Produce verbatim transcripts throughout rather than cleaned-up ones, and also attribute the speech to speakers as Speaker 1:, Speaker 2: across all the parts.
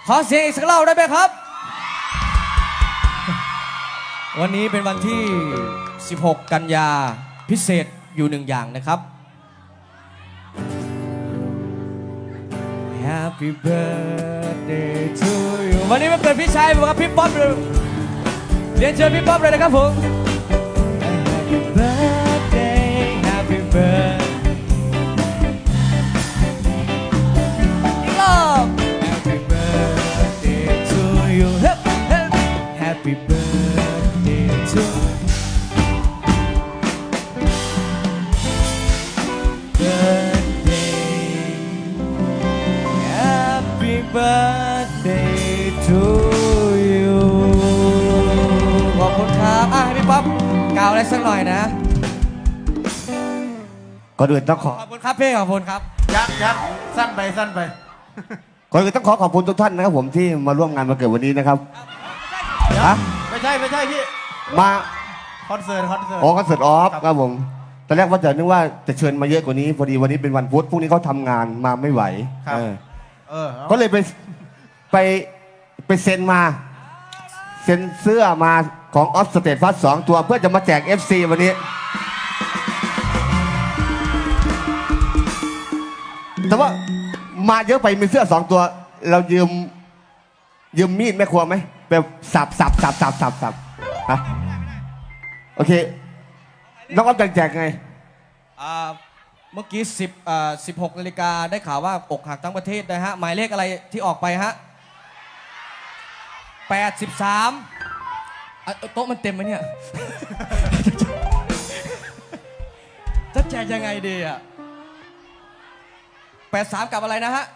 Speaker 1: ขอเสียงอีกสักรอบได้ไหมครับวันนี้เป็นวันที่สิบหกกันยาพิเศษอยู่หนึ่งอย่างนะครับ Happy birthday to you วันนี้มันเกิดพี่ชายผมครับพี่ป๊อปเลยเรียนเชิญพี่ป๊อปเลยนะครับผม Happy birthday Happy birthday อีกรอบ Happy birthday to you Happy birthday to Happy birthday to you ขอบคุณครับอ่ะให้พี่ป๊อปกล่าวอะไรสักหน่อยนะ
Speaker 2: ก่อนอื่นต้องขอ
Speaker 1: ขอบคุณครับพี่ขอบคุณครับ
Speaker 3: ยักยักสั้นไปสั้นไป
Speaker 2: ก่อนอื่นต้องขอขอบคุณทุกท่านนะครับผมที่มาร่วมงานวันเกิดวันนี้นะครับฮะ
Speaker 3: ไม่ใช่ไม่ใช่พี่
Speaker 2: มา
Speaker 3: คอนเสิร์ตคอนเสิร์ต
Speaker 2: อ๋อคอนเสิร์ตออฟครับผมตอนแรกว่าจะนึกว่าจะเชิญมาเยอะกว่านี้พอดีวันนี้เป็นวันพุธพรุ่งนี้เขาทำงานมาไม่ไหวเออ
Speaker 3: เออ
Speaker 2: ก็เลยไปไปไปเซ็นมาเซ็นเสื้อมาของออฟสเตทฟัสสองตัวเพื่อจะมาแจก เอฟ ซี วันนี้แต่ว่ามาเยอะไปมีเสื้อสองตัว เรายืมยืมมีดแม่ครัวไหมแบบสับสับสับสับสับสับฮะโอเคน้องออฟแจกไง
Speaker 1: อ่าเมื่อกี้สิบอ่าสิบหกนาฬิกาได้ข่าวว่าอกหักทั้งประเทศนะฮะหมายเลขอะไรที่ออกไปฮะแปดสิบสามโต๊ะมันเต็มไหมเนี่ย จะแจกยังไงดีอ่ะแปดสามกับอะไรนะฮะ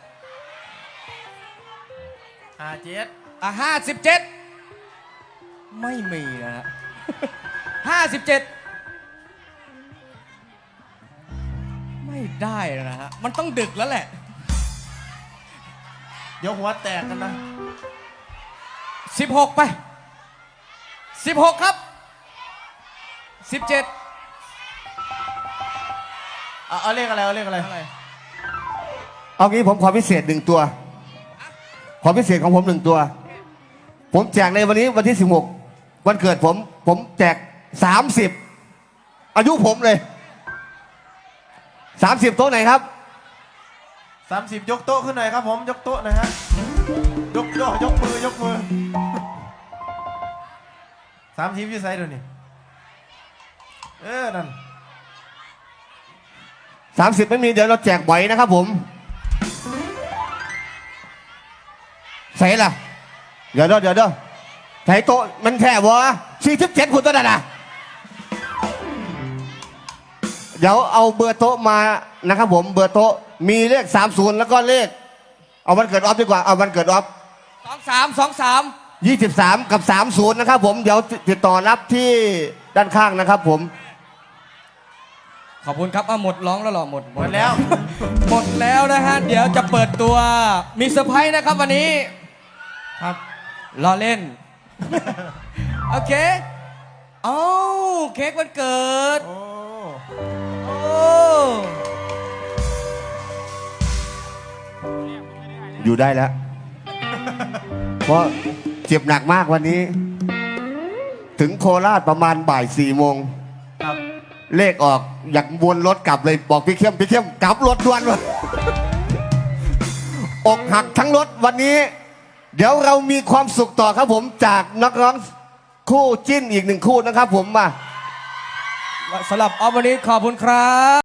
Speaker 3: ห้าเจ็ด
Speaker 1: อ่ะห้าสิบเจ็ดไม่มีนะฮะ ห้าสิบเจ็ดไม่ได้นะฮะมันต้องดึกแล้วแหละ
Speaker 3: เดี๋ยวหัวแตกกันนะ
Speaker 1: สิบหกไปสิบหกครับสิบเจ็ด
Speaker 3: เอาเอาเลขอะไรเอาเลขอะไร
Speaker 1: อะไร
Speaker 2: เอางี้ผมขอพิเศษหนึ่งตัวขอพิเศษของผมหนึ่งตัว ผมแจกในวันนี้วันที่สิบหกวันเกิดผมผมแจกสามสิบอายุผมเลยสามสิบโต๊ะไหนครับ
Speaker 3: สามสิบยกโต๊ะขึ้นหน่อยครับผมยกโต๊ะหน่อยฮะยกยกยกมือยกมือสามสิบยี่ไซด์ดูนี่เออนั่น
Speaker 2: สามสิบไม่มีเดี๋ยวเราแจกบ่อยนะครับผมใส่ล่ะเดี๋ยวเดี๋ยวเดี๋ยวเดี๋ยวใส่โต๊ะมันแค่วะสี่สิบเจ็ดคุณตัวนั้นนะเดี๋ยวเอาเบอร์โต๊ะมานะครับผมเบอร์โต๊ะมีเลขสามศูนย์แล้วก็เลขเอาวันเกิดออฟดีกว่าเอาวันเกิดออฟ
Speaker 1: สองสามสองสาม
Speaker 2: ยี่สิบสามกับสามศูนย์นะครับผมเดี๋ยวติดต่อรับที่ด้านข้างนะครับผม
Speaker 1: ขอบคุณครับอ่ะหมดร้องแล้วหรอหมด
Speaker 3: หมดแล้ว
Speaker 1: หมดแล้วนะฮะเดี๋ยวจะเปิดตัวมีเซอร์ไพรส์นะครับวันนี้
Speaker 3: ครับ
Speaker 1: รอเล่น โอเคเอ้าเค้กวันเกิด
Speaker 3: โอ้
Speaker 1: โอ้
Speaker 2: อยู่ได้แล้ว เพราะเจ็บหนักมากวันนี้ ถึงโคราชประมาณบ่ายสี่โมง
Speaker 3: ครับ
Speaker 2: เลขออกอยากวนรถกลับเลยบอกพี่เข้มพี่เข้มกลับรถด่วนเลยอกหักทั้งรถวันนี้ เดี๋ยวเรามีความสุขต่อครับผมจากนักร้องคู่จิ้นอีกหนึ่งคู่นะครับผมมา
Speaker 1: สำหรับออฟวันนี้ขอบคุณครับ